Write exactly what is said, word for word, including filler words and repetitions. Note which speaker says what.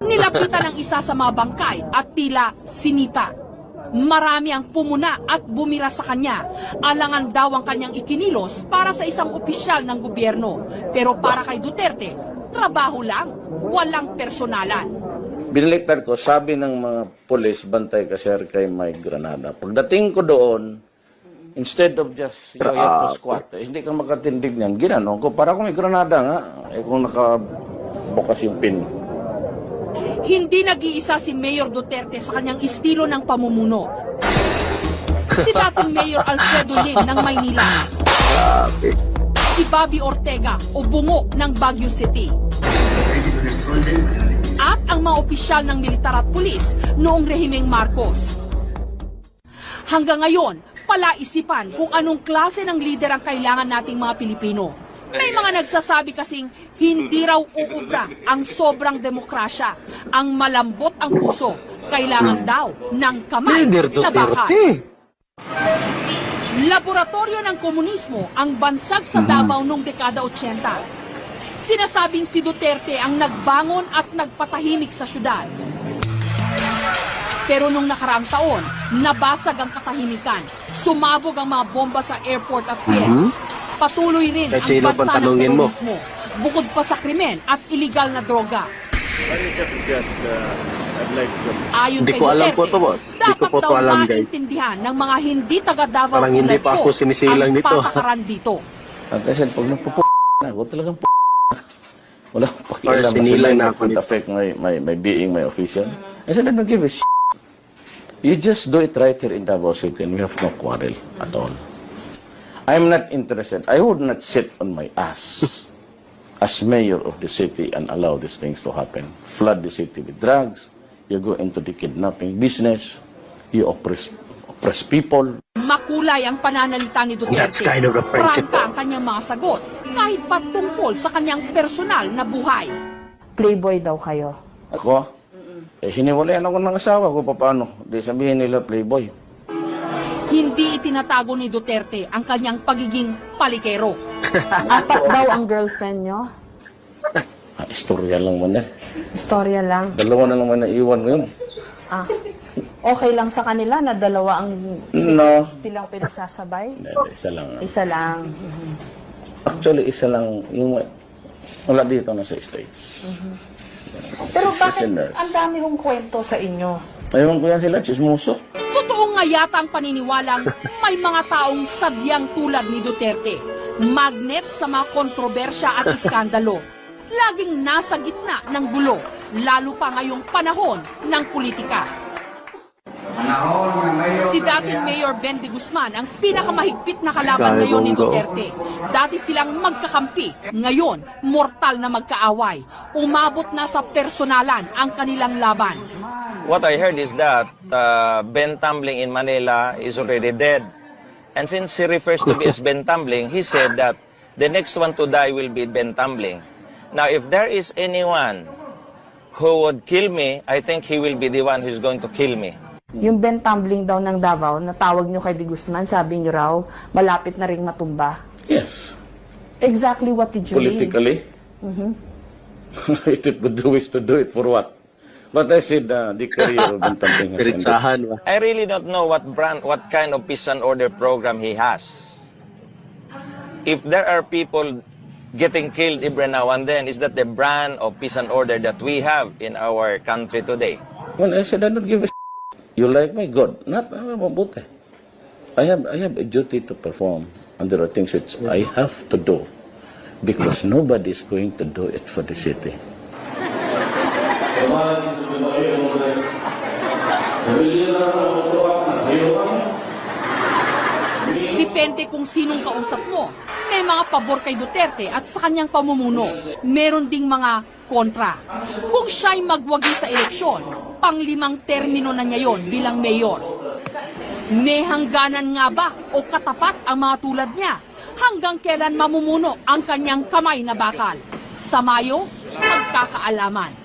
Speaker 1: Nilapitan ng isa sa mga bangkay at tila sinita. Marami ang pumuna at bumira sa kanya. Alangan daw ang kanyang ikinilos para sa isang opisyal ng gobyerno. Pero para kay Duterte, trabaho lang, walang personalan.
Speaker 2: Binaliktad ko, sabi ng mga pulis, bantay ka sir kay may granada. Pagdating ko doon, instead of just you have to squat, eh, hindi ka makatindig niyan. Ginanong ko, para kung may granada nga, eh kung nakabukas yung pin.
Speaker 1: Hindi nag-iisa si Mayor Duterte sa kanyang estilo ng pamumuno. Si dating Mayor Alfredo Lim ng Maynila. Si Bobby Ortega o Bungo ng Baguio City. At ang mga opisyal ng militar at pulis noong rehimeng Marcos. Hanggang ngayon, palaisipan kung anong klase ng lider ang kailangan nating mga Pilipino. May mga nagsasabi kasing hindi raw uubra ang sobrang demokrasya. Ang malambot ang puso, kailangan daw ng kamay na bakal. Laboratorio ng komunismo ang bansag sa Davao noong dekada eighty. Sinasabing si Duterte ang nagbangon at nagpatahimik sa syudad. Pero nung nakaraang taon, nabasag ang katahimikan. Sumabog ang mga bomba sa airport at pier. Patuloy rin ang banta ng terorismo, bukod pa sa krimen at iligal na droga. Ayon kay Duterte, dapat daw maintindihan ng mga hindi taga-Davao
Speaker 3: Parang hindi pa ako sinisilang
Speaker 1: ang
Speaker 3: nito.
Speaker 1: patakaran dito.
Speaker 2: At I said, pag nagpupo na ako, talagang p*** na. Wala akong
Speaker 3: Or
Speaker 2: pakialam na
Speaker 3: sinilang
Speaker 2: sila
Speaker 3: na
Speaker 2: na
Speaker 3: ako
Speaker 2: could
Speaker 3: nito.
Speaker 2: affect my, my, my being, my official. I said, I don't give a shit. You just do it right here in Davao City and we have no quarrel at all. I'm not interested. I would not sit on my ass as mayor of the city and allow these things to happen. Flood the city with drugs. You go into the kidnapping business. You oppress, oppress people.
Speaker 1: Makulay ang pananalita ni Duterte.
Speaker 3: That's kind of a principle.
Speaker 1: Prangka ang kanyang mga sagot, kahit patungkol sa kanyang personal na buhay.
Speaker 4: Playboy daw kayo.
Speaker 2: Ako? Eh, hiniwalayan ako ng asawa ko. Paano? Di sabihin nila playboy.
Speaker 1: Hindi itinatago ni Duterte ang kanyang pagiging palikero.
Speaker 4: Apat daw ang girlfriend nyo.
Speaker 2: Ah, istorya lang man yan.
Speaker 4: Istorya lang.
Speaker 2: Dalawa na naman naiwan ngayon.
Speaker 4: Ah, okay lang sa kanila na dalawa ang
Speaker 2: No.
Speaker 4: silang pinagsasabay?
Speaker 2: Hindi, isa lang.
Speaker 4: Isa lang.
Speaker 2: Actually, isa lang. Yung wala dito na sa States.
Speaker 4: Pero bakit
Speaker 2: Listeners.
Speaker 4: ang dami kong kwento sa inyo?
Speaker 2: Ayun ko yan sila, chismoso.
Speaker 1: Totoo nga yata ang paniniwalang may mga taong sadyang tulad ni Duterte. Magnet sa mga kontrobersya at iskandalo. Laging nasa gitna ng gulo, lalo pa ngayong panahon ng politika. Si dating Mayor Ben de Guzman ang pinakamahigpit na kalaban ngayon ni Duterte. Dati silang magkakampi, ngayon mortal na magkaaway. Umabot na sa personalan ang kanilang laban.
Speaker 5: What I heard is that uh, Ben Tumbling in Manila is already dead. And since he refers to me as Ben Tumbling, he said that the next one to die will be Ben Tumbling. Now, if there is anyone who would kill me, I think he will be the one who's going to kill me.
Speaker 4: Yung Ben Tumbling daw ng Davao, natawag nyo kay De Guzman, sabi nyo raw, malapit na ring matumba.
Speaker 2: Yes.
Speaker 4: Exactly what did you mean?
Speaker 2: Politically. Mm-hmm. If it would do is to do it for what? But I said uh, the career of Bintambing has ended.
Speaker 3: Piritsahan ba?
Speaker 5: I really don't know what brand, what kind of peace and order program he has. If there are people getting killed every now and then, is that the brand of peace and order that we have in our country today?
Speaker 2: Well, I said I don't give a shit. You like me? Good. Not, uh, mabuti. I have, I have a duty to perform, and there are things which I have to do because nobody is going to do it for the city.
Speaker 1: Depende kung sinong kausap mo. May mga pabor kay Duterte at sa kanyang pamumuno. Meron ding mga kontra. Kung siya'y magwagi sa eleksyon, panglimang termino na niya yon bilang mayor. May hangganan nga ba o katapat ang mga tulad niya? Hanggang kailan mamumuno ang kanyang kamay na bakal? Sa Mayo, magkakaalaman.